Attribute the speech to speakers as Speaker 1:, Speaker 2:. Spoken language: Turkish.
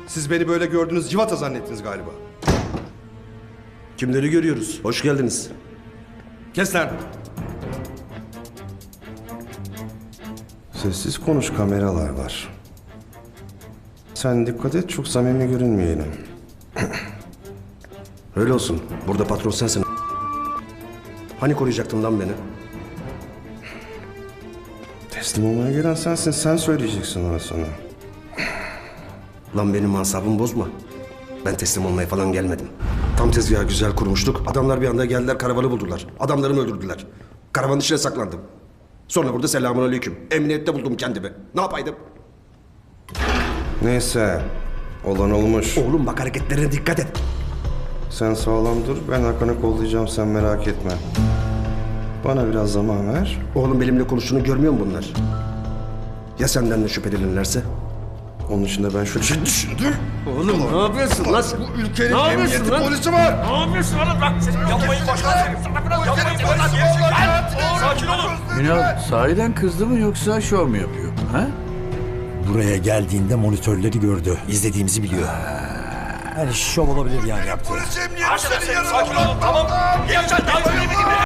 Speaker 1: Siz beni böyle gördünüz, civata zannettiniz galiba.
Speaker 2: Kimleri görüyoruz? Hoş geldiniz.
Speaker 1: Kes lan! Sessiz konuş, kameralar var. Sen dikkat et, çok samimi görünmeyelim.
Speaker 2: Öyle olsun. Burada patron sensin. Hani koruyacaktın lan beni?
Speaker 1: Teslim olmaya gelen sensin, sen söyleyeceksin ona sonra.
Speaker 2: Lan benim asabımı bozma. Ben teslim olmaya falan gelmedim. Tam tezgahı güzel kurmuştuk. Adamlar bir anda geldiler, karavanı buldular. Adamlarımı öldürdüler. Karavanın içine saklandım. Sonra burada selamünaleyküm. Emniyette buldum kendimi. Ne yapaydım?
Speaker 1: Neyse, olan olmuş.
Speaker 2: Oğlum bak hareketlerine dikkat et.
Speaker 1: Sen sağlam dur, ben Hakan'ı kollayacağım, sen merak etme. Bana biraz zaman ver.
Speaker 2: Oğlum benimle konuştuğunu görmüyor mu bunlar? Ya senden de şüphelenirlerse?
Speaker 1: Onun için de ben şöyle şey düşündüm.
Speaker 2: Oğlum ne yapıyorsun lan?
Speaker 1: Bu ülkenin
Speaker 2: Ne yapıyorsun
Speaker 1: emniyeti
Speaker 2: lan?
Speaker 1: polisi var.
Speaker 2: Ne yapıyorsun oğlum lan? Yapmayın başkanım. Sakin olun.
Speaker 3: Ünal sahiden kızdı mı yoksa şov mu yapıyor? Ha?
Speaker 4: Buraya geldiğinde monitörleri gördü. İzlediğimizi biliyor. Yani şov olabilir yani yaptığı.
Speaker 2: Arkadaşlar sakin olun tamam. Geleceğim.